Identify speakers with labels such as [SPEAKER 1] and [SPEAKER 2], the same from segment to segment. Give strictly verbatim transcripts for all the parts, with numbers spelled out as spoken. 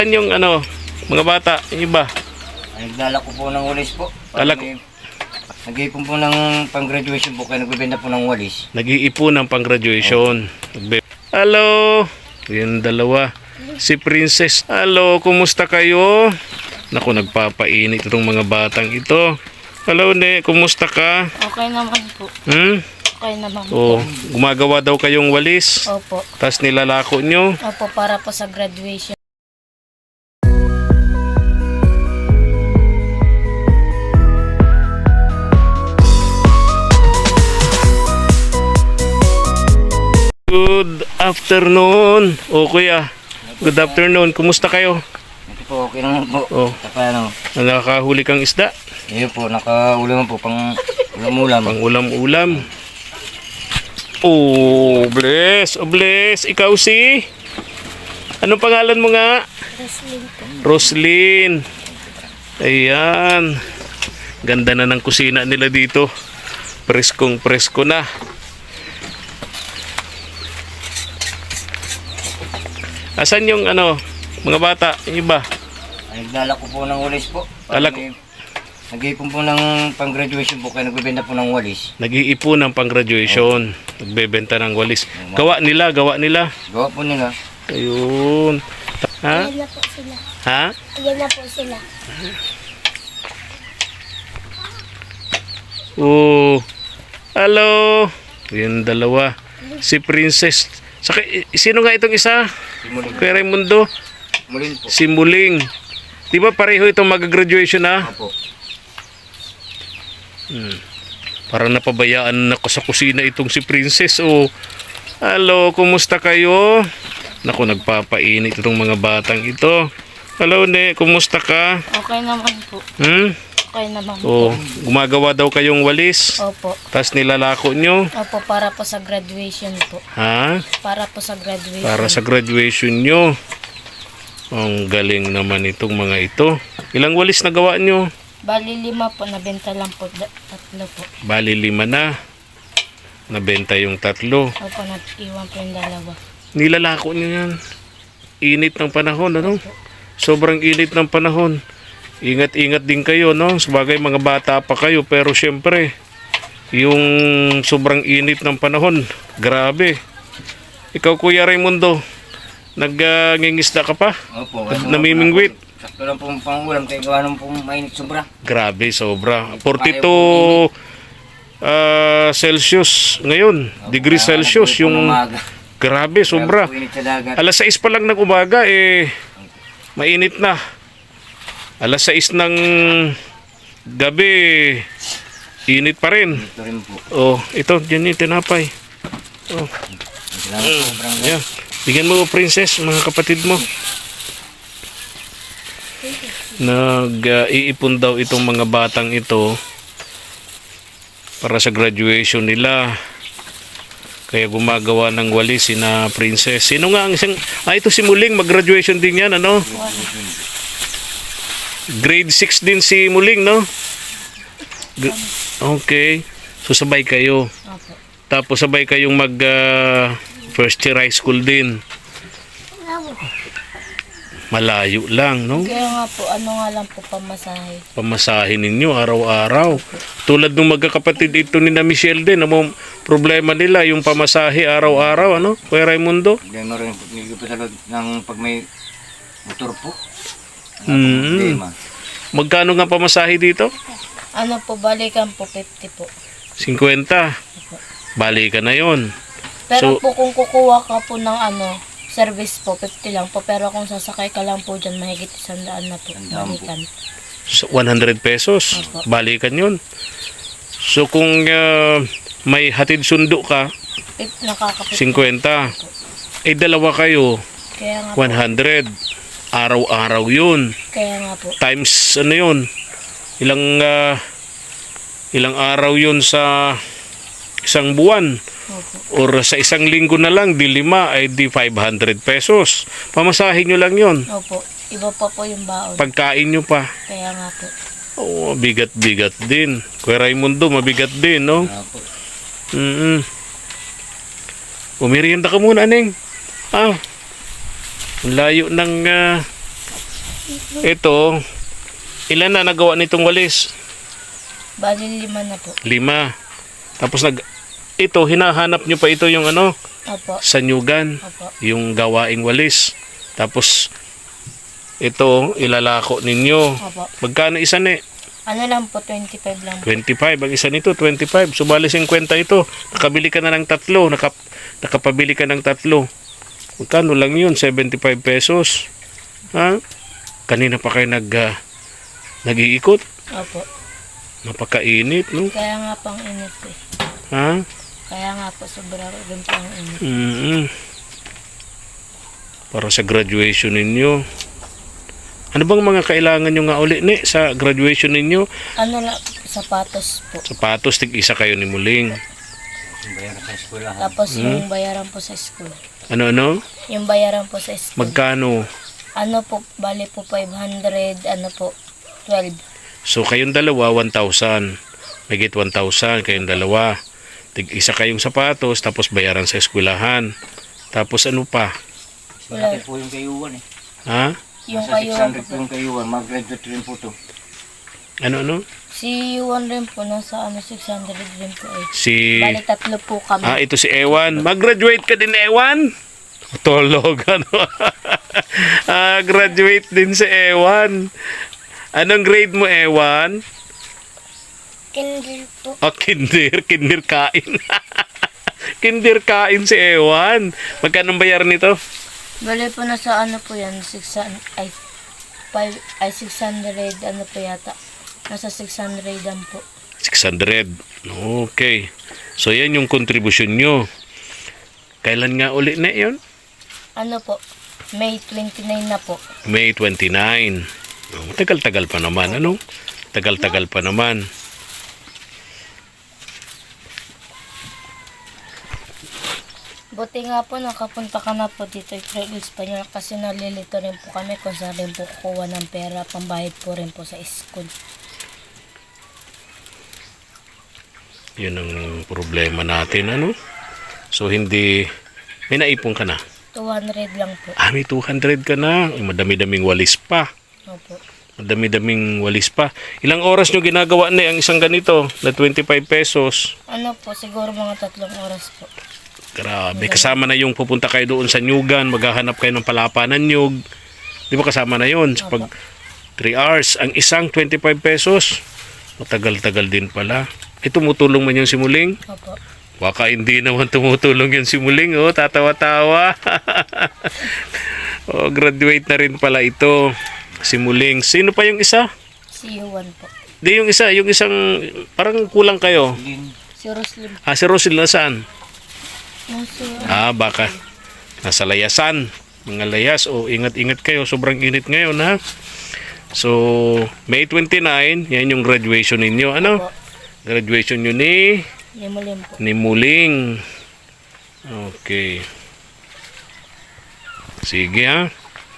[SPEAKER 1] Yan yung ano, mga bata, yung iba.
[SPEAKER 2] Nagdala ko po ng walis po.
[SPEAKER 1] Alak-
[SPEAKER 2] Nag-iipon po ng pang-graduation po kaya nagbibenta po ng walis.
[SPEAKER 1] Nag-iipon ng pang-graduation. Nagbe- Hello! Yung dalawa. Si Princess. Hello, kumusta kayo? Naku, nagpapainit itong mga batang ito. Hello, ne, kumusta ka?
[SPEAKER 3] Okay naman po.
[SPEAKER 1] Hmm?
[SPEAKER 3] Okay naman
[SPEAKER 1] Oh,
[SPEAKER 3] po.
[SPEAKER 1] gumagawa daw kayong walis.
[SPEAKER 3] Opo.
[SPEAKER 1] Tapos nilalako nyo.
[SPEAKER 3] Opo, para po sa graduation.
[SPEAKER 1] Good afternoon. O kuya, good afternoon. Kumusta kayo?
[SPEAKER 2] Ito po, okay naman po.
[SPEAKER 1] Oh.
[SPEAKER 2] Saka ano,
[SPEAKER 1] Nakakahuli kang isda?
[SPEAKER 2] yun po, nakaulam po pang ulam-ulam.
[SPEAKER 1] Pang ulam-ulam. Oh, bless. Oh, bless. Ikaw si? Anong pangalan mo nga? Roslyn. Ayan. Ganda na ng kusina nila dito. Preskong presko na. Asan yung ano, mga bata, yung iba?
[SPEAKER 2] Nagdala ko po ng walis po.
[SPEAKER 1] Alak-
[SPEAKER 2] Nag-iipon po ng pang-graduation po kaya nagbibenta po ng walis.
[SPEAKER 1] Nag-iipon ng pang-graduation. Nagbebenta ng walis. Gawa nila, gawa nila.
[SPEAKER 2] Gawa po nila.
[SPEAKER 1] Ayun. Ha?
[SPEAKER 4] Ayan na po sila.
[SPEAKER 1] Ha?
[SPEAKER 4] Ayan na po sila.
[SPEAKER 1] Oh. Hello. Yung dalawa. Si Princess. Saka, i- sino nga itong isa?
[SPEAKER 2] Simuling.
[SPEAKER 1] Kuya Raimundo?
[SPEAKER 2] Mulin po.
[SPEAKER 1] Si Muling. Di ba pareho itong mag-graduation na?
[SPEAKER 2] Opo.
[SPEAKER 1] Hmm. Parang napabayaan ako sa kusina itong si Princess. Oh. Hello, kumusta kayo? Naku, nagpapainit itong mga batang ito. Hello, ne, kumusta ka?
[SPEAKER 3] Okay naman po.
[SPEAKER 1] Hmm?
[SPEAKER 3] Okay naman
[SPEAKER 1] Oh,
[SPEAKER 3] po.
[SPEAKER 1] gumagawa daw kayong walis.
[SPEAKER 3] Opo.
[SPEAKER 1] Tapos nilalako nyo.
[SPEAKER 3] Opo, para po sa graduation po.
[SPEAKER 1] Ha?
[SPEAKER 3] Para po sa graduation.
[SPEAKER 1] Para sa graduation nyo. Ang galing naman itong mga ito. Ilang walis na gawa nyo?
[SPEAKER 3] Bali lima po, nabenta lang po. da- Tatlo po.
[SPEAKER 1] Bali lima na. Nabenta yung tatlo.
[SPEAKER 3] Opo, nag-iwan po yung dalawa.
[SPEAKER 1] Nilalako nyo yan. Init ng panahon, ano? Sobrang init ng panahon. Ingat-ingat din kayo, no? Sabagay mga bata pa kayo, pero syempre, yung sobrang init ng panahon, grabe. Ikaw, Kuya Raimundo, nag-ngingisda ka pa?
[SPEAKER 2] Opo.
[SPEAKER 1] Namimingwit?
[SPEAKER 2] Sakto lang po pang-ulam kaya gawa nung pong mainit sobra.
[SPEAKER 1] Grabe, sobra. forty-two ah, Celsius ngayon. Degree Celsius. Yung grabe, sobra.
[SPEAKER 2] Init sa dagat.
[SPEAKER 1] Alas sais pa lang ng umaga, eh, mainit na. Alas sais ng gabi, init pa rin.
[SPEAKER 2] Ito rin po.
[SPEAKER 1] Oh, ito, dyan yung tinapay. Oh,
[SPEAKER 2] Salamat po, sobrang
[SPEAKER 1] yeah. Bigyan mo, Princess, mga kapatid mo. Nag-iipon daw itong mga batang ito para sa graduation nila. Kaya gumagawa ng walis si na Princess. Sino nga ang isang... Ah, ito si Muling. Mag-graduation din yan, ano? Grade six din si Muling, no? G- okay. So, sabay kayo.
[SPEAKER 3] Opo.
[SPEAKER 1] Tapos, sabay kayong mag... ah, first year high school din. Malayo lang, no?
[SPEAKER 3] Kaya nga po, ano nga lang po pamasahe.
[SPEAKER 1] Pamasahin ninyo araw-araw. Tulad ng magkakapatid ito ni na Michelle din, ang problema nila yung pamasahe araw-araw, ano? Kuya Raimundo?
[SPEAKER 2] problema rin po. Hindi ko pa talaga ng pag may motor po.
[SPEAKER 1] Hmm.
[SPEAKER 2] Problema.
[SPEAKER 1] Magkano nga pamasahe dito?
[SPEAKER 3] Ano po, balikan po, fifty po.
[SPEAKER 1] fifty. Balikan na yon.
[SPEAKER 3] Pero
[SPEAKER 1] So-
[SPEAKER 3] po kung kukuha ka po ng ano, service po, fifty lang po. Pero kung sasakay ka lang po dyan, mahigit isang daan na po.
[SPEAKER 2] Isang daan po.
[SPEAKER 3] Balikan.
[SPEAKER 1] So, one hundred pesos.
[SPEAKER 3] Opo.
[SPEAKER 1] Balikan yon. So, kung ah, may hatid sundo ka,
[SPEAKER 3] Fif- Nakaka-fifty.
[SPEAKER 1] fifty. Eh, dalawa kayo,
[SPEAKER 3] Kaya nga po.
[SPEAKER 1] one hundred. Araw-araw yun.
[SPEAKER 3] Kaya nga po.
[SPEAKER 1] Times ano yun, ilang ah, ilang araw yun sa isang buwan
[SPEAKER 3] Opo.
[SPEAKER 1] or sa isang linggo na lang, di lima ay di five hundred pesos. Pamasahin nyo lang yun.
[SPEAKER 3] Opo. Iba pa po yung baon.
[SPEAKER 1] Pagkain nyo pa.
[SPEAKER 3] Kaya nga po.
[SPEAKER 1] Oo, bigat-bigat din. Kuya Raimundo, mabigat din, no?
[SPEAKER 2] Ah, po.
[SPEAKER 1] Mm-mm. Umirienda ka muna, Neng. Ah, ang layo ng ah, Ito, ilan na nagawa nitong walis?
[SPEAKER 3] Bali lima na po.
[SPEAKER 1] Lima. Tapos nag ito, hinahanap nyo pa ito yung ano,
[SPEAKER 3] Opo.
[SPEAKER 1] sanyugan,
[SPEAKER 3] Opo.
[SPEAKER 1] yung gawaing walis. Tapos ito, ilalako ninyo.
[SPEAKER 3] Opo.
[SPEAKER 1] Magkano isa ni?
[SPEAKER 3] Ano lang po, twenty-five lang po.
[SPEAKER 1] twenty-five. Ang isa nito, twenty-five. Subali fifty ito. Nakabili ka na ng tatlo. Nakap nakapabili ka ng tatlo. Magkano lang yun? seventy-five pesos. Ha? Kanina pa kayo nag, uh, nag-iikot.
[SPEAKER 3] Opo.
[SPEAKER 1] Napakainit, no?
[SPEAKER 3] Kaya nga pang init eh.
[SPEAKER 1] Ha?
[SPEAKER 3] Kaya nga po, sobra rin po ang init.
[SPEAKER 1] Mm Para sa graduation ninyo. Ano bang mga kailangan nyo nga uli ni sa graduation ninyo?
[SPEAKER 3] Ano lang, sapatos po.
[SPEAKER 1] Sapatos, tig-isa kayo ni Muling.
[SPEAKER 2] Yung bayaran sa eskwelahan.
[SPEAKER 3] Tapos
[SPEAKER 1] Hmm?
[SPEAKER 3] yung bayaran po sa school.
[SPEAKER 1] Ano-ano?
[SPEAKER 3] Yung bayaran po sa school.
[SPEAKER 1] Magkano?
[SPEAKER 3] Ano po, bali po five hundred, ano po, twelve.
[SPEAKER 1] So, kayong dalawa, one thousand. Megit one thousand, kayong dalawa. Tig-isa kayong sapatos, tapos bayaran sa eskwelahan. Tapos ano pa?
[SPEAKER 2] Malaki po yung kayuan eh.
[SPEAKER 1] Ha?
[SPEAKER 3] Yung
[SPEAKER 2] Nasa
[SPEAKER 3] kayuan po
[SPEAKER 2] six hundred po
[SPEAKER 3] po.
[SPEAKER 2] yung kayuan. Mag-graduate rin po to.
[SPEAKER 1] Ano-ano?
[SPEAKER 3] Si Yuan rin po, nasa ano, six hundred rin po eh.
[SPEAKER 1] Si...
[SPEAKER 3] Bali tatlo po kami.
[SPEAKER 1] Ah, ito si Ewan. Mag-graduate ka din, Ewan? Tulog, ano? ah, graduate din si Ewan. Anong grade mo, Ewan?
[SPEAKER 3] Kinder po.
[SPEAKER 1] Oh, kinder. Kinder kain. Kinder kain si Ewan. Magkano bayar nito?
[SPEAKER 3] Bali po nasa ano po yan, six hundred, ay, five, ay six hundred, ano po yata. Nasa six hundred lang po.
[SPEAKER 1] six hundred. Okay. So, yan yung contribution nyo. Kailan nga uli na yun?
[SPEAKER 3] Ano po, May twenty-nine na po.
[SPEAKER 1] May twenty-nine. Oh, tagal-tagal pa naman, ano? Tagal-tagal pa naman.
[SPEAKER 3] Buti nga po, nakapunta ka na po dito kay Espanyol kasi nalilito rin po kami kung saan rin po kukuha ng pera, pambayad po rin po sa school.
[SPEAKER 1] Yun ang problema natin, ano? So, hindi... May naipon ka na.
[SPEAKER 3] two hundred lang po.
[SPEAKER 1] Ah, may two hundred ka na. Ay, madami-daming walis pa.
[SPEAKER 3] Opo.
[SPEAKER 1] Madami-daming walis pa. Ilang oras nyo ginagawa na ang isang ganito na twenty-five pesos?
[SPEAKER 3] Ano po, siguro mga tatlong oras po.
[SPEAKER 1] Grabe. Kasama na yung pupunta kayo doon sa Nyugan, maghahanap kayo ng palapa ng nyug. Di ba kasama na yun? Sa pag three hours. Ang isang twenty-five pesos. Matagal-tagal din pala. Eh, tumutulong man yung si Muling?
[SPEAKER 3] Opo.
[SPEAKER 1] Baka hindi naman tumutulong yung si Muling, oh. Tatawa-tawa. Oh, graduate na rin pala ito. Si Muling. Sino pa yung isa?
[SPEAKER 3] Si Yuan po.
[SPEAKER 1] Di yung isa, yung isang parang kulang kayo.
[SPEAKER 2] Lin.
[SPEAKER 3] Si Roslyn.
[SPEAKER 1] Ah, si Rosil nasaan?
[SPEAKER 3] Nasa,
[SPEAKER 1] Ah, baka nasa layasan. Mga layas. O, ingat-ingat kayo. Sobrang init ngayon, ha? So, May twenty-nine, yan yung graduation ninyo. Ano?
[SPEAKER 3] po.
[SPEAKER 1] Graduation nyo ni,
[SPEAKER 3] Limulim po.
[SPEAKER 1] ni Muling. Okay. Sige, ha?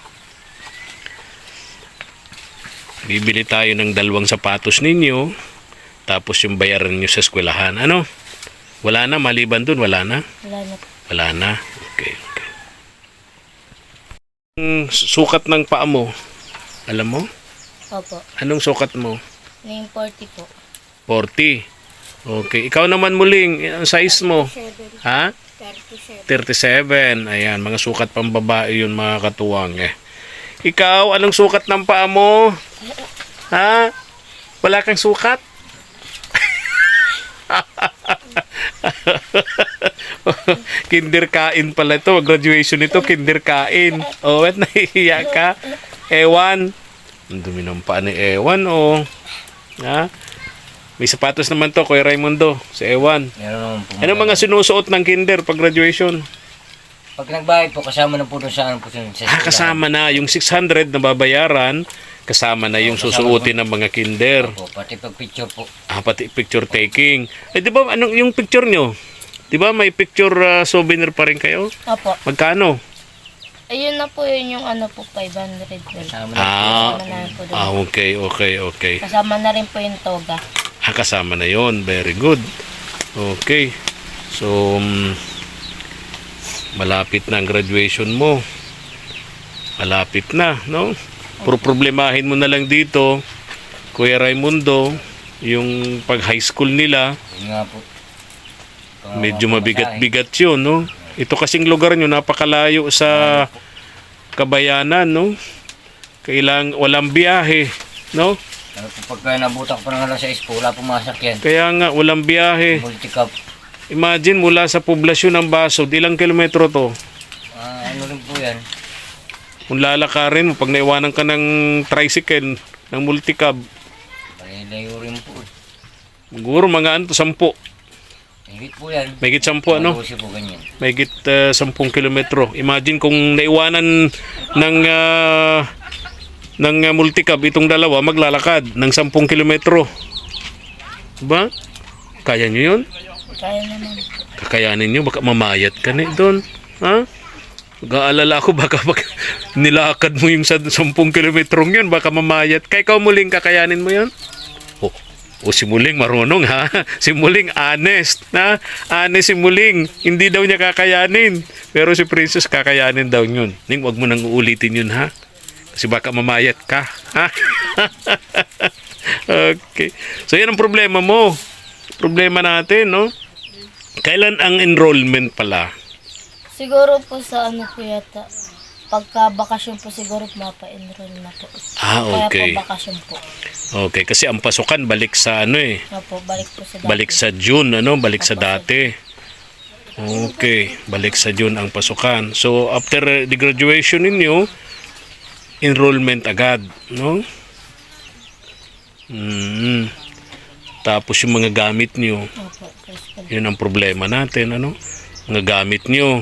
[SPEAKER 1] Bibili tayo ng dalawang sapatos ninyo. Tapos yung bayaran nyo sa eskwelahan. Ano? Wala na, maliban dun, wala na?
[SPEAKER 3] Wala na po.
[SPEAKER 1] Wala na. Okay, okay. Ang sukat ng paa mo, alam mo?
[SPEAKER 3] Opo.
[SPEAKER 1] Anong sukat mo?
[SPEAKER 3] Name forty po.
[SPEAKER 1] forty. Okay. Ikaw naman Muling, ang size mo? Ha?
[SPEAKER 3] thirty-seven.
[SPEAKER 1] thirty-seven. Ayan, mga sukat pang babae yun mga katuwang eh. Ikaw, anong sukat ng paa mo? Ha? Wala kang sukat? Kinder kain pala ito. Graduation nito, kinder kain. Oh, ba't nahihiya ka? Ewan. Ang dumi ng paa ni Ewan, oh. Ha? May sapatos naman to, Kuya Raimundo. Si Ewan.
[SPEAKER 2] Meron naman po.
[SPEAKER 1] Ano mga sinusuot ng kinder pag graduation?
[SPEAKER 2] Pag nagbayad po, kasama na po doon sa ano po sa sa
[SPEAKER 1] Ah,
[SPEAKER 2] eskwelahan.
[SPEAKER 1] kasama na. Yung six hundred na babayaran, kasama na yung susuotin ng mga kinder.
[SPEAKER 2] Po, pati pag picture po.
[SPEAKER 1] Ah, pati picture taking. Eh, di ba, anong yung picture nyo? Di ba, may picture ah, souvenir pa rin kayo?
[SPEAKER 3] Opo.
[SPEAKER 1] Magkano?
[SPEAKER 3] Ayun na po yun yung ano po, five hundred po.
[SPEAKER 2] Kasama na
[SPEAKER 1] Ah,
[SPEAKER 3] Kasama na rin po doon.
[SPEAKER 1] ah, okay, okay, okay.
[SPEAKER 3] Kasama na rin po yung toga.
[SPEAKER 1] Ah, kasama na yon. Very good. Okay. So, um, malapit na ang graduation mo. Malapit na, no? Pro problemahin mo na lang dito, Kuya Raimundo, yung pag high school nila,
[SPEAKER 2] Yun nga po. Ito,
[SPEAKER 1] medyo
[SPEAKER 2] mga
[SPEAKER 1] mabigat-bigat yun, no? Ito kasing lugar nyo, napakalayo sa Kabayanan, no? Kailang walang biyahe, no?
[SPEAKER 2] pamasahe. Ano po pagka nabutak pa ng alas sais po, wala pumasak yan.
[SPEAKER 1] Kaya nga, walang biyahe.
[SPEAKER 2] Multi-cup.
[SPEAKER 1] Imagine, mula sa poblasyon ng Basod, ilang kilometro to?
[SPEAKER 2] Ah, ano rin po yan.
[SPEAKER 1] Kung lalakarin mo, pag naiwanan ka ng tricycle, ng multicab,
[SPEAKER 2] Panilayo rin po. eh.
[SPEAKER 1] siguro mga ano to, sampu.
[SPEAKER 2] Higit po yan.
[SPEAKER 1] Mahigit sampu, ano?
[SPEAKER 2] Malusi po ganyan.
[SPEAKER 1] Mahigit uh, sampung kilometro. Imagine kung naiwanan ng uh, ng uh, multicab itong dalawa, maglalakad ng sampung kilometro. Diba? Kaya nyo yun?
[SPEAKER 3] Kaya naman.
[SPEAKER 1] Kakayanin nyo, baka mamayat ka na doon. Ha? Mag-aalala ko, baka pag nilakad mo yung sa sampung kilometrong yun, baka mamayat ka. Ikaw muling kakayanin mo yun? Oh, oh si Muling marunong ha. Si Muling honest. Ha? Honest si Muling. Hindi daw niya kakayanin. Pero si Princess kakayanin daw yun. Ning, wag mo nang uulitin yun ha. Kasi baka mamayat ka. Ha? Okay. So yan ang problema mo. Problema natin, no? Kailan ang enrollment pala?
[SPEAKER 3] Siguro po sa ano po yata, pagka bakasyon po siguro mapa-enroll na po.
[SPEAKER 1] Ah, okay.
[SPEAKER 3] Kaya po bakasyon po.
[SPEAKER 1] Okay, kasi ang pasukan balik sa ano eh.
[SPEAKER 3] Opo, balik po sa dati.
[SPEAKER 1] Balik sa June, ano? Balik sa dati. Okay, balik sa June ang pasukan. So, after the graduation ninyo, enrollment agad, no? Mm. Tapos yung mga gamit nyo,
[SPEAKER 3] Opo, first
[SPEAKER 1] yun ang problema natin, ano? Mga gamit nyo,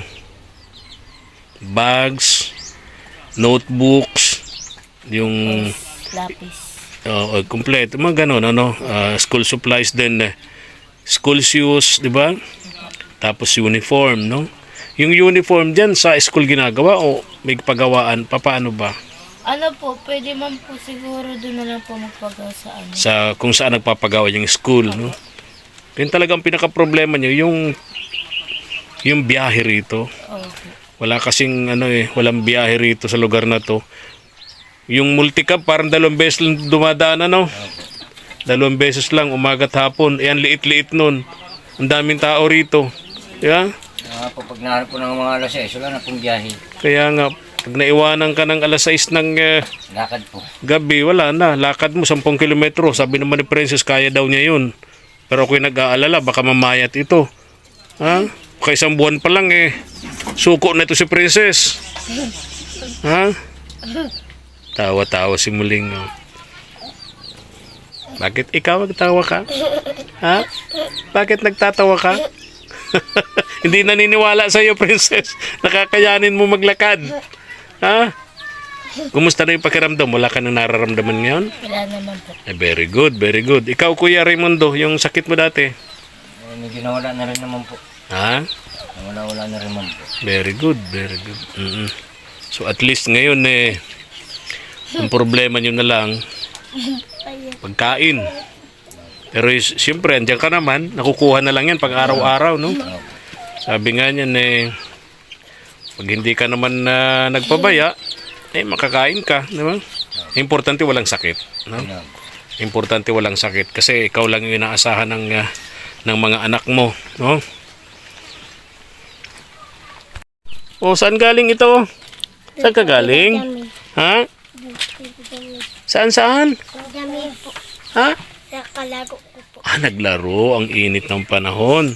[SPEAKER 1] bags, notebooks, yung
[SPEAKER 3] lapis.
[SPEAKER 1] uh, kompleto, mga ganun, ano? Uh, school supplies din, eh. School shoes, di ba? Tapos uniform, no? Yung uniform dyan sa school ginagawa o may pagawaan, papaano ba?
[SPEAKER 3] Ano po, pwede man po siguro doon na lang po magpagawa sa ano.
[SPEAKER 1] Sa kung saan nagpapagawa yung school, no? Yun talagang pinaka-problema nyo, yung yung biyahe rito.
[SPEAKER 3] Opo.
[SPEAKER 1] Wala kasing ano eh, walang biyahe rito sa lugar na to. Yung multicab parang dalawang beses lang dumadaan, ano? Dalawang beses lang, umagat hapon. Eh, ang liit-liit nun. Ang daming tao rito. Yeah?
[SPEAKER 2] Ah, po pag nahanap po ng mga alas sais, wala na pong biyahe.
[SPEAKER 1] Kaya nga, pag naiwanan ka ng alas sais ng eh,
[SPEAKER 2] Lakad po.
[SPEAKER 1] gabi, wala na. Lakad mo, sampung kilometro. Sabi naman ni Princess, kaya daw niya yun. Pero ako'y nag-aalala, baka mamayat ito. Ha? Baka isang buwan pa lang eh. Suko na ito si Princess. Ha? Tawa-tawa si Muling. Oh. Bakit ikaw nagtawa ka? Ha? Bakit nagtatawa ka? Hindi naniniwala sa iyo, Princess. Nakakayanin mo maglakad. Ha? Kumusta na yung pakiramdam? Wala ka nang nararamdaman ngayon?
[SPEAKER 3] Wala naman po.
[SPEAKER 1] Eh, very good, very good. Ikaw, Kuya Raimundo, yung sakit mo dati?
[SPEAKER 2] Eh, medyo nawala na rin naman po.
[SPEAKER 1] Ha?
[SPEAKER 2] Nawala-wala na rin naman po.
[SPEAKER 1] Very good, very good. Mm-mm. So at least ngayon eh, ang problema nyo na lang, pagkain. Pero is, siyempre, andyan ka naman, nakukuha na lang yan pag araw-araw, no? Sabi nga niyan eh, pag hindi ka naman na nagpabaya, eh makakain ka, di ba? Importante walang sakit, no?
[SPEAKER 2] Ano,
[SPEAKER 1] Importante walang sakit kasi ikaw lang yung inaasahan ng ah, ng mga anak mo, no? O saan galing ito? Saan ka galing? Ha? Saan saan?
[SPEAKER 3] Dami po.
[SPEAKER 1] Ha?
[SPEAKER 3] Sa kalago ko po.
[SPEAKER 1] Ah, naglaro. Ang init ng panahon.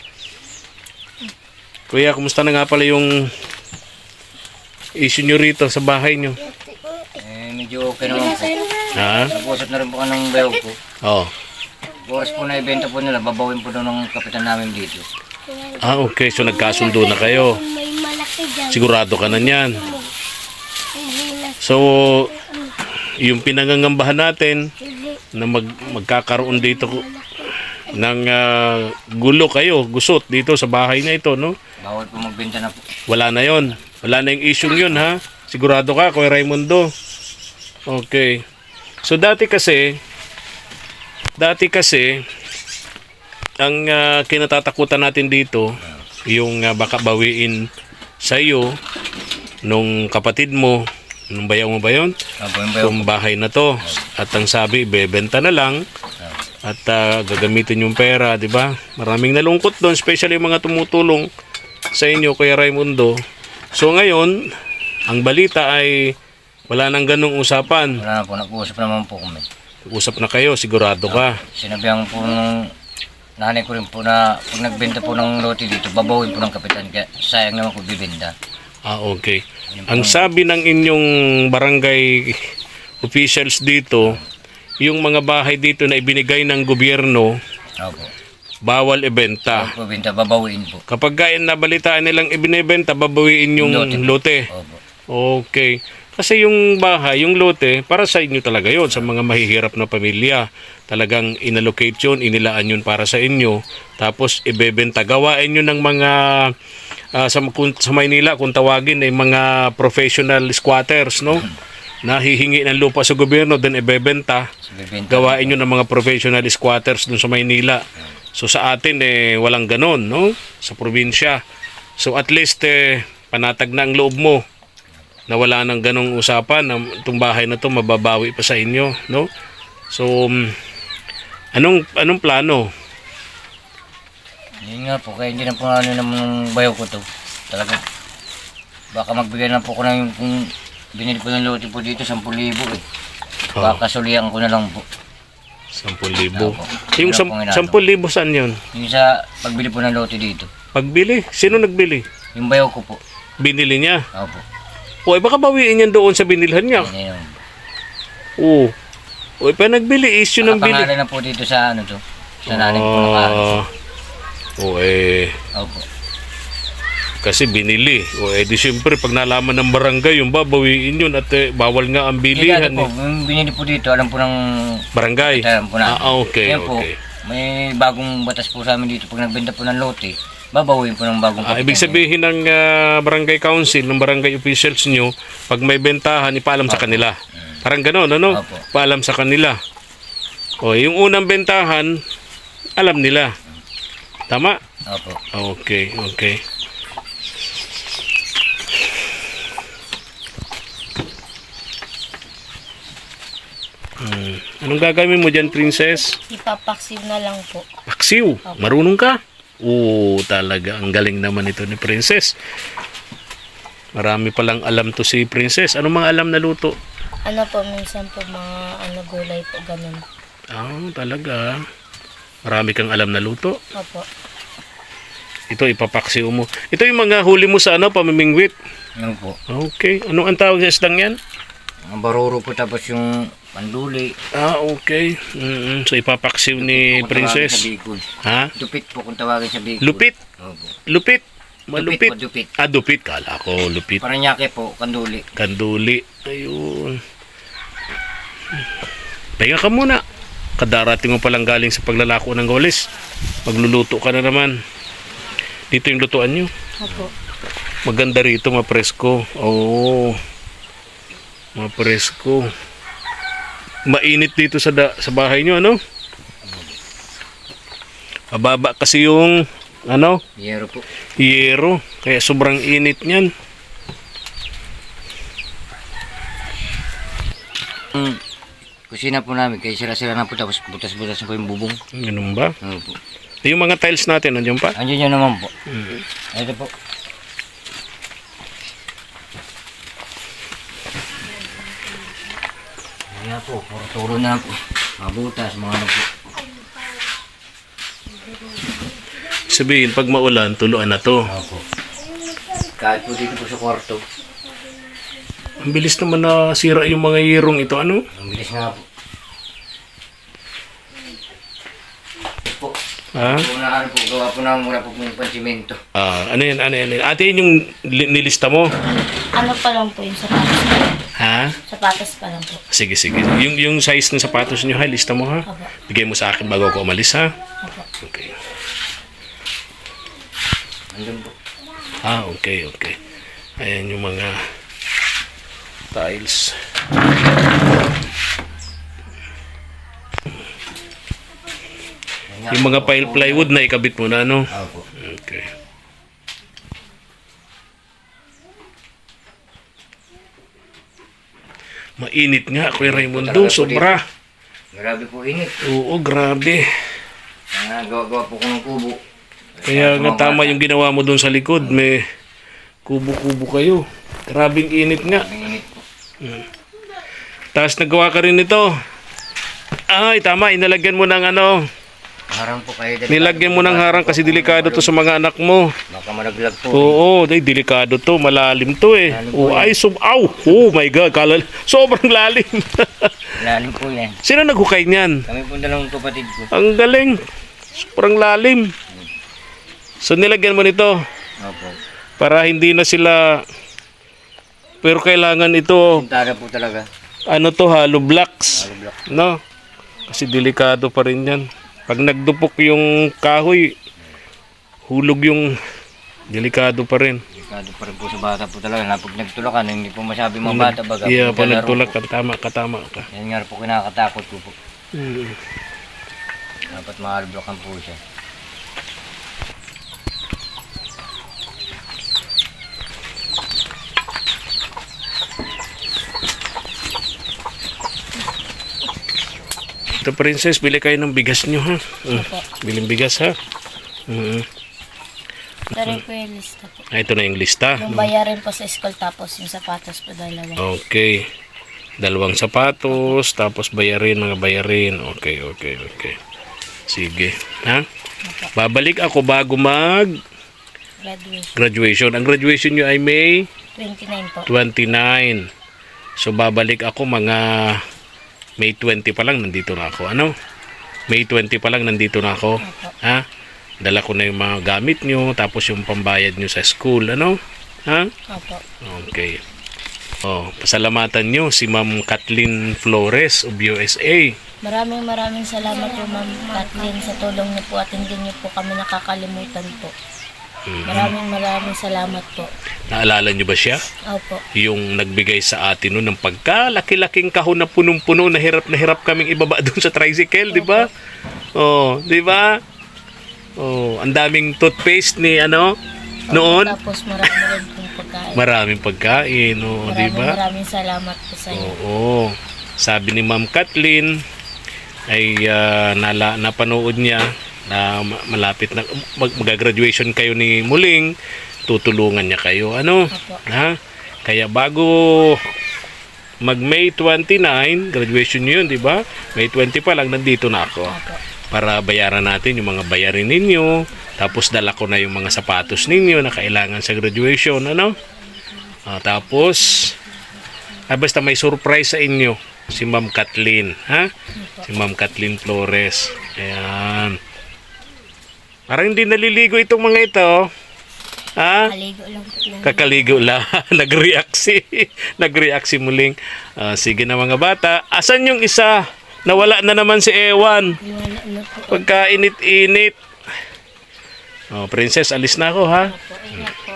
[SPEAKER 1] Kuya, kumusta na nga pala yung issue nyo rito sa bahay nyo?
[SPEAKER 2] eh, medyo okay naman po.
[SPEAKER 1] Ha?
[SPEAKER 2] Nag-usap na rin po ka ng bayog ko.
[SPEAKER 1] Oh.
[SPEAKER 2] Oras po na ibenta po nila, babawin po daw ng kapitan namin dito.
[SPEAKER 1] Ah, okay. So nagkasundo na kayo.
[SPEAKER 3] May malaki dyan.
[SPEAKER 1] Sigurado ka na niyan. So, yung pinangangambahan natin na mag, magkakaroon dito ng ah, gulo kayo, gusot dito sa bahay na ito, no?
[SPEAKER 2] Bawal po magbenta na po.
[SPEAKER 1] Wala na yon. Wala na yung issue yun, ha? Sigurado ka, Kuya Raimundo. Okay. So, dati kasi, dati kasi, ang ah, kinatatakutan natin dito, yung ah, baka bawiin sa iyo, nung kapatid mo, Anong bayaw mo ba yun?
[SPEAKER 2] Opo, yung bayo
[SPEAKER 1] Itong bahay na to. At ang sabi, ibebenta na lang. At ah, gagamitin yung pera, di ba? Maraming nalungkot doon, especially yung mga tumutulong sa inyo, Kuya Raimundo. So ngayon, ang balita ay wala nang ganong usapan.
[SPEAKER 2] Wala na po, nag-uusap naman po kami.
[SPEAKER 1] Usap na kayo, sigurado ka.
[SPEAKER 2] Sinabihan po nung nanay ko rin po na pag nagbenta po ng lote dito, babawin po ng kapitan. Kaya sayang naman ko bibenta.
[SPEAKER 1] Ah, okay. Ang sabi ng inyong barangay officials dito, yung mga bahay dito na ibinigay ng gobyerno,
[SPEAKER 2] Opo.
[SPEAKER 1] bawal ibenta.
[SPEAKER 2] Opo, benta, babawin po.
[SPEAKER 1] Kapag kain nabalitaan nilang ibinebenta, babawiin yung
[SPEAKER 2] Lote.
[SPEAKER 1] lote.
[SPEAKER 2] Opo.
[SPEAKER 1] Okay. Kasi yung bahay, yung lote, para sa inyo talaga yon, sa mga mahihirap na pamilya. Talagang inallocate yun, inilaan yun para sa inyo. Tapos ibebenta. Gawain nyo ng mga, ah, sa, kung, sa Maynila, kung tawagin, ay mga professional squatters, no? Nahihingi ng lupa sa gobyerno, then ibebenta.
[SPEAKER 2] So, bibenta.
[SPEAKER 1] Gawain nyo ng mga professional squatters dun sa Maynila. So sa atin, eh, walang ganon, no? Sa probinsya. So at least, eh, panatag na ang loob mo na wala nang ganong usapan na itong bahay na to mababawi pa sa inyo, no? So, um, anong anong plano?
[SPEAKER 2] Yun nga po, kaya hindi na po ano naman ng bayo ko to. Talaga, baka magbigay na po ko na yung kung binili po ng lote po dito, sampu libo eh.
[SPEAKER 1] Oh.
[SPEAKER 2] Baka sulihan ko na lang po.
[SPEAKER 1] Sampung libo.
[SPEAKER 2] Opo.
[SPEAKER 1] Yung
[SPEAKER 2] Yun
[SPEAKER 1] sam-
[SPEAKER 2] ang pong inaano.
[SPEAKER 1] sampung libo saan yun?
[SPEAKER 2] Yung sa pagbili po ng lote dito,
[SPEAKER 1] Pagbili? Sino nagbili?
[SPEAKER 2] yung bayo ko po.
[SPEAKER 1] Binili niya.
[SPEAKER 2] Opo.
[SPEAKER 1] O, eh, baka bawiin yan doon sa binilhan niya.
[SPEAKER 2] Yan yun.
[SPEAKER 1] Oo. O, eh, pa nagbili, issue ng bili.
[SPEAKER 2] Nakapangalan na po dito sa ano to. Sa nanay ko nakaano.
[SPEAKER 1] Ah, o, eh,
[SPEAKER 2] Opo.
[SPEAKER 1] kasi binili. O, eh, di siyempre, pag nalaman ng barangay, yung babawiin yun at eh, bawal nga ang
[SPEAKER 2] Hindi
[SPEAKER 1] bilihan.
[SPEAKER 2] po,
[SPEAKER 1] Eh.
[SPEAKER 2] yung binili po dito, alam po ng
[SPEAKER 1] Barangay?
[SPEAKER 2] alam po na.
[SPEAKER 1] Ah, okay,
[SPEAKER 2] Yan po,
[SPEAKER 1] okay.
[SPEAKER 2] may bagong batas po sa amin dito. Pag nagbenta po ng lote, babawin po ng bagong
[SPEAKER 1] Ah,
[SPEAKER 2] kapitan.
[SPEAKER 1] ibig sabihin ng ah, barangay council, ng barangay officials nyo, pag may bentahan, ipaalam sa kanila. Parang gano'n, ano?
[SPEAKER 2] Opo.
[SPEAKER 1] Paalam sa kanila. O, yung unang bentahan, alam nila. Tama?
[SPEAKER 2] Opo.
[SPEAKER 1] Okay, okay. Hmm. Anong gagawin mo dyan, princess?
[SPEAKER 3] Ipapaksiw na lang po.
[SPEAKER 1] Paksiw. Marunong ka? Oo, talaga. Ang galing naman ito ni princess. Marami palang alam to si princess. Anong mga alam na luto?
[SPEAKER 3] Ano po, minsan po mga ano, gulay po, ganun.
[SPEAKER 1] Ah, talaga. Marami kang alam na luto.
[SPEAKER 3] Opo.
[SPEAKER 1] Ito, ipapaksiw mo. Ito yung mga huli mo sa ano, pamimingwit.
[SPEAKER 2] Yan po.
[SPEAKER 1] Okay. Anong ang tawag sa isdang yan?
[SPEAKER 2] Ang baruro po tapos yung panduli.
[SPEAKER 1] Ah, okay. Mm-mm. So, ipapaksiw ni
[SPEAKER 2] Kung tawagin
[SPEAKER 1] princess.
[SPEAKER 2] Sa Bicol.
[SPEAKER 1] Ha?
[SPEAKER 2] Dupit po kung tawagin sa Bicol.
[SPEAKER 1] Lupit?
[SPEAKER 2] Opo.
[SPEAKER 1] Lupit? Malupit?
[SPEAKER 2] Dupit po, dupit.
[SPEAKER 1] Ah, dupit. Kala ko, lupit.
[SPEAKER 2] Paranaque po, kanduli.
[SPEAKER 1] Kanduli. Ayun. Pahinga ka muna. Kadarating mo palang galing sa paglalako ng goles. Magluluto ka na naman. Dito yung lutuan nyo.
[SPEAKER 3] Opo.
[SPEAKER 1] Maganda rito, mapresko. Oo. Mapresko. Mainit dito sa da- sa bahay nyo, ano? Mababa kasi yung ano,
[SPEAKER 2] Yero po.
[SPEAKER 1] yero. Kaya sobrang init niyan.
[SPEAKER 2] Mm. Kusina po namin, kaya sila-sila na po tapos butas-butas na po yung bubong.
[SPEAKER 1] Ganun ba?
[SPEAKER 2] Opo.
[SPEAKER 1] Yung mga tiles natin, nandiyan pa?
[SPEAKER 2] Andiyan yun naman po.
[SPEAKER 1] Mm.
[SPEAKER 2] Ito po. Kaya po, puro turo na po. Mga butas, mga ano po.
[SPEAKER 1] Sabihin, pag maulan, tuluan na to.
[SPEAKER 2] Opo. Kahit po dito po sa kwarto.
[SPEAKER 1] Ang bilis naman na sira yung mga yerong ito, ano?
[SPEAKER 2] Ang bilis nga po. Po.
[SPEAKER 1] Ha?
[SPEAKER 2] Una ano po, gawa po na muna po ng pansimento.
[SPEAKER 1] Ah, ano yan, ano yan? ano yan? Ate, yun yung li- nilista mo?
[SPEAKER 3] Ano pa lang po yung sapatos pa lang.
[SPEAKER 1] Ha?
[SPEAKER 3] Sapatos pa lang po.
[SPEAKER 1] Sige, sige. Yung, yung size ng sapatos nyo, ha? Lista mo, ha?
[SPEAKER 3] Opo.
[SPEAKER 1] Bigay mo sa akin bago ako umalis, ha?
[SPEAKER 3] Opo.
[SPEAKER 1] Okay.
[SPEAKER 2] Andun po.
[SPEAKER 1] Ah, okay, okay. Ayan yung mga tiles. Yung mga pile plywood na ikabit mo na, no?
[SPEAKER 2] Opo.
[SPEAKER 1] Okay. init nga, Kuya Raimundo. Sobra.
[SPEAKER 2] Grabe po init.
[SPEAKER 1] Oo, grabe.
[SPEAKER 2] Ah, gawa-gawa po ko ng kubo.
[SPEAKER 1] Kaya nga tama yung ginawa mo doon sa likod. May kubo-kubo kayo. Grabing init nga.
[SPEAKER 2] Ang init po.
[SPEAKER 1] Tapos nagawa ka rin nito. Ay, tama. Inalagyan mo ng ano.
[SPEAKER 2] Harang po kayo.
[SPEAKER 1] Nilagyan mo ng harang kasi delikado to sa mga anak mo.
[SPEAKER 2] Baka malaglag po.
[SPEAKER 1] Oo, day, delikado to. Malalim to eh.
[SPEAKER 2] Lalim po
[SPEAKER 1] Oh, ay, sum... Aw! Oh my God. Kalal... Sobrang lalim.
[SPEAKER 2] Lalim po yan.
[SPEAKER 1] Sino naghukay niyan?
[SPEAKER 2] Kami po dalawang kapatid ko.
[SPEAKER 1] Ang galing. Sobrang lalim. So, nilagyan mo nito
[SPEAKER 2] Opo.
[SPEAKER 1] para hindi na sila... Pero kailangan ito,
[SPEAKER 2] Sintada po talaga.
[SPEAKER 1] ano to, hollow blocks.
[SPEAKER 2] Hollow block.
[SPEAKER 1] No? Kasi delikado pa rin yan. Pag nagdupok yung kahoy, hulog yung delikado pa rin.
[SPEAKER 2] Delikado pa rin po sa bata po talaga. Na pag nagtulakan, hindi po masabi mga bata baga.
[SPEAKER 1] Iya, pag
[SPEAKER 2] Naglalaro
[SPEAKER 1] nagtulak
[SPEAKER 2] po.
[SPEAKER 1] ka, tama ka, tama ka.
[SPEAKER 2] Yan nga po kinakatakot ko po.
[SPEAKER 1] Hmm.
[SPEAKER 2] Dapat mahalblokan po siya.
[SPEAKER 1] Ito, princess, bili kayo ng bigas nyo, ha? Mm.
[SPEAKER 3] Opo.
[SPEAKER 1] Biling bigas, ha? Mm.
[SPEAKER 3] Ito rin po yung lista po.
[SPEAKER 1] Ah, ito na yung lista.
[SPEAKER 3] Yung bayarin po sa school tapos yung sapatos po dalawa.
[SPEAKER 1] Okay. Dalawang sapatos, tapos bayarin, mga bayarin. Okay, okay, okay. Sige. Ha? Babalik ako bago mag
[SPEAKER 3] Graduation.
[SPEAKER 1] graduation. Ang graduation nyo ay May
[SPEAKER 3] twenty-nine po.
[SPEAKER 1] twenty-nine. So, babalik ako mga May twenty pa lang, nandito na ako. Ano? May twenty pa lang, nandito na ako.
[SPEAKER 3] Opo.
[SPEAKER 1] Ha? Dala ko na yung mga gamit nyo, tapos yung pambayad nyo sa school. Ano? Ha?
[SPEAKER 3] Opo.
[SPEAKER 1] Okay. Oh, pasalamatan nyo si Ma'am Kathleen Flores of U S A.
[SPEAKER 3] Maraming maraming salamat po Ma'am Kathleen sa tulong niyo po at hindi niyo po kami nakakalimutan po. Maraming maraming salamat po.
[SPEAKER 1] Naalala nyo ba siya?
[SPEAKER 3] Opo.
[SPEAKER 1] Yung nagbigay sa atin noon ng pagkalaki-laking kahon na punong-puno na hirap na hirap kaming ibaba doon sa tricycle, di ba? Oh, di ba? Oh, ang daming toothpaste ni ano noon.
[SPEAKER 3] Tapos marami rin pong pagkain.
[SPEAKER 1] Maraming pagkain, oh, di
[SPEAKER 3] Maraming
[SPEAKER 1] ba?
[SPEAKER 3] maraming salamat po sa inyo.
[SPEAKER 1] Oo. Sabi ni Ma'am Kathleen ay ah, nala, napanood niya na ma- malapit na mag, mag-graduation kayo ni Muling, tutulungan niya kayo. Ano?
[SPEAKER 3] Opo.
[SPEAKER 1] Ha? Kaya bago mag May twenty-nine, graduation niyo yun, di ba? May twenty pa lang, nandito na ako.
[SPEAKER 3] Opo.
[SPEAKER 1] Para bayaran natin yung mga bayarin ninyo. Tapos dala ko na yung mga sapatos ninyo na kailangan sa graduation. Ano? Ah, tapos, ah, basta may surprise sa inyo. Si Ma'am Kathleen. Ha? Si Ma'am Kathleen Flores. Ayan. Parang hindi naliligo itong mga ito. Ha?
[SPEAKER 3] Kaligo lang po lang.
[SPEAKER 1] Kakaligo lang. Nag-react si, nag-react si Muling. Ah, sige na mga bata. Asan yung isa? Nawala na naman si Ewan.
[SPEAKER 3] Wala na po.
[SPEAKER 1] Pagkainit-init. Oh, princess, alis na ako, ha?
[SPEAKER 3] Opo, ingat po.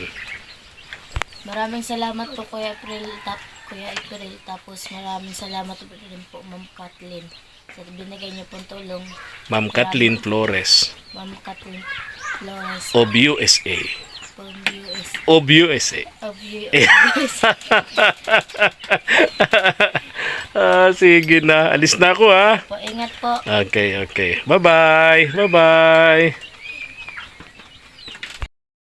[SPEAKER 3] Maraming salamat po Kuya April, tap, Kuya April. Tapos maraming salamat po rin po Ma'am Kathleen sa binigay niyo pong tulong.
[SPEAKER 1] Ma'am Kathleen Flores
[SPEAKER 3] Ma'am Kathleen Flores
[SPEAKER 1] of U S A.
[SPEAKER 3] from U S
[SPEAKER 1] Of U S A.
[SPEAKER 3] of U S.
[SPEAKER 1] Ah, sige na. Alis na ako, ha?
[SPEAKER 3] Po, ingat po.
[SPEAKER 1] Okay, okay. Bye-bye. Bye-bye.